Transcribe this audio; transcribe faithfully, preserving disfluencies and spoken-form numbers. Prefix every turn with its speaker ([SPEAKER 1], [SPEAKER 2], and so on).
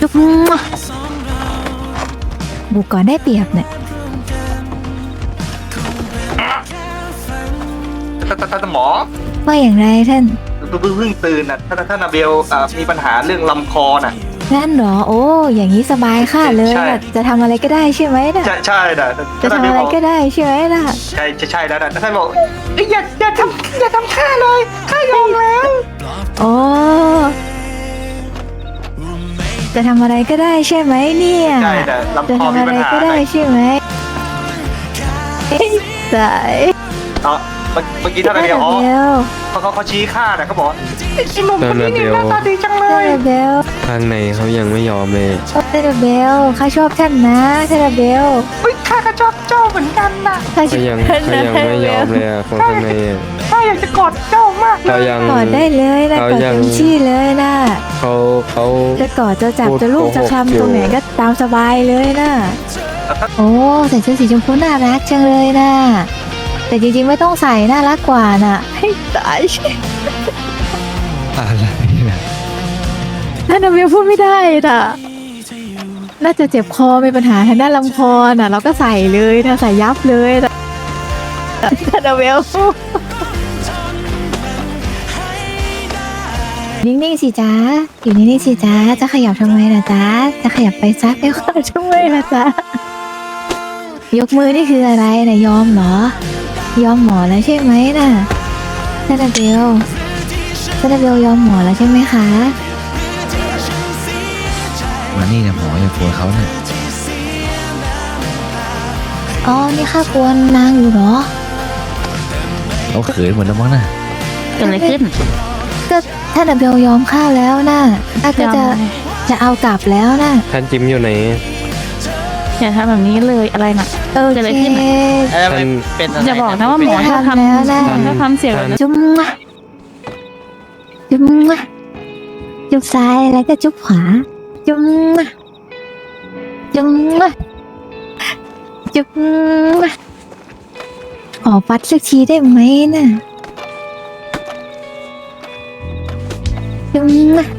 [SPEAKER 1] จุ๊บบุกก่อนได้เปรียบเนี่ย
[SPEAKER 2] ท่านท่านท่านหมอ
[SPEAKER 1] ว่าอย่างไรท่าน
[SPEAKER 2] เพิ่งเพิ่งตื่นน่ะท่านท่านนาเบลอ่ามีปัญหาเรื่องลำคอน่ะ
[SPEAKER 1] นั่นเหรอโอ้อย่างนี้สบายค่ะเลย
[SPEAKER 2] ใช่
[SPEAKER 1] น่ะจะทำอะไรก็ได้ใช่ไหมน่ะ
[SPEAKER 2] ใช่ใช่น่ะ
[SPEAKER 1] จะ
[SPEAKER 2] ท่าน
[SPEAKER 1] ทำ
[SPEAKER 2] นาเบล
[SPEAKER 1] อะไร
[SPEAKER 2] บอก
[SPEAKER 1] ก็ได้ใช่ไหมน่ะ
[SPEAKER 2] ใช่ใช่ใช่แล้วนะท่านบอกเอ้ยอย่าอย่าทำอย่าทำข้าเลยข้ายอมแล้ว
[SPEAKER 1] โอ้จะทำอะไรก็ได้ใช่ไหมเนี่ย
[SPEAKER 2] ใช่แต่ลำ
[SPEAKER 1] จะ
[SPEAKER 2] คอ
[SPEAKER 1] ทำ
[SPEAKER 2] มี
[SPEAKER 1] อะ
[SPEAKER 2] ปัญ
[SPEAKER 1] ไร
[SPEAKER 2] หา
[SPEAKER 1] ก็ได้ใช่ไหมเอ้ยสาย
[SPEAKER 2] เนาะเมื่อกี้ท่านนาเบลอ๋อ
[SPEAKER 1] เบล
[SPEAKER 2] เขาเขาเขาชี้ข้าน่ะเขาบอกไอ้หนุ่มคนนี้เนี่ยหน้าตาดีจังเล
[SPEAKER 1] เท
[SPEAKER 2] ย
[SPEAKER 1] เลเบล
[SPEAKER 3] ทางในเขายังไม่ยอมเลย
[SPEAKER 1] เทเลเบลข้าชอบท่านนะเทเลเบล
[SPEAKER 2] เฮ้ยข้าก็ชอบเจ้าเหมือนกันน่ะ
[SPEAKER 1] ข้าช
[SPEAKER 3] เขา
[SPEAKER 1] อบ
[SPEAKER 3] ยัง
[SPEAKER 1] ท่าน
[SPEAKER 3] เขา
[SPEAKER 1] นะ
[SPEAKER 3] ยัง
[SPEAKER 1] เทเล
[SPEAKER 3] ไม่
[SPEAKER 1] เบ
[SPEAKER 3] ยอ
[SPEAKER 1] ล
[SPEAKER 3] มเลยอะคนข้างในอะ
[SPEAKER 2] ข้าอยากจะกอดเจ้ามากเล
[SPEAKER 3] เขา
[SPEAKER 2] ย
[SPEAKER 3] ยัง
[SPEAKER 1] กอดได้เลยนะ
[SPEAKER 3] เขา
[SPEAKER 1] กอด
[SPEAKER 3] ยัง
[SPEAKER 1] เต็มที่เลยนะ
[SPEAKER 3] เขาเขา
[SPEAKER 1] จะกอดจะจับ
[SPEAKER 3] พูด
[SPEAKER 1] จะลูกจะ
[SPEAKER 3] โกหก
[SPEAKER 1] คลำ
[SPEAKER 3] อยู่
[SPEAKER 1] ตรงไหนก็ตามสบายเลยนะโอ้ใส่เสื้อสีชมพูน่ารักจังเลยนะแต่จริงๆไม่ต้องใส่น่ารักกว่าน่ะให้ตาย
[SPEAKER 3] อะไรนะ
[SPEAKER 1] ท่านนาเบลพูดไม่ได้น่ะน่าจะเจ็บคอมีปัญหาทางด้านลำคอน่ะ เราก็ใส่เลยนะใส่ยับเลยนะท่านนาเบลนิ่งๆสิจ๊ะอยู่นิ่งๆสิจ๊ะจะขยับทำไมล่ะจ๊ะจะขยับไปซักไปขอทำไมล่ะจ๊ะยกมือนี่คืออะไรนะยอมเหรอยอมหมอแล้วใช่ไหมน่ะท่านนาเบลท่านนาเบลยอมหมอแล้วใช่ไหมคะ
[SPEAKER 4] มานี่เนี่ยหมออย่ากลัวเขาเนี่ย
[SPEAKER 1] อ๋อ นี่ข้ากวนนางอยู่เหรอ
[SPEAKER 4] เขาเขินหมดแล้วมั้งน่ะ
[SPEAKER 5] เกิดอะไรขึ้น
[SPEAKER 1] ก็ท่านอเบลยอมข้าแล้วนะข้าก็จะ
[SPEAKER 5] ยอมอะไร
[SPEAKER 1] จะเอากลับแล้วนะ
[SPEAKER 3] ท่านจิมอยู่ไหน
[SPEAKER 5] อย่าทำแบบนี้เลยอะไรน่ะ
[SPEAKER 1] โอ
[SPEAKER 5] เกิดอะไร
[SPEAKER 1] เค
[SPEAKER 5] ขึ้นน่ะ
[SPEAKER 3] ท่าน
[SPEAKER 2] เป็น
[SPEAKER 5] อย่าบอกนะว่าหมอ
[SPEAKER 1] ไม่
[SPEAKER 5] ให้
[SPEAKER 1] ทำแล้วนะ
[SPEAKER 5] ทำให้ทำเสียงแบบนั้น
[SPEAKER 1] จุ๊บมะจุ๊บมะจุ๊บซ้ายแล้วก็จุ๊บขวา จุ๊บมะจุ๊บมะจุ๊บมะขอฟัดสักทีได้ไหมน่ะจุ๊บมะ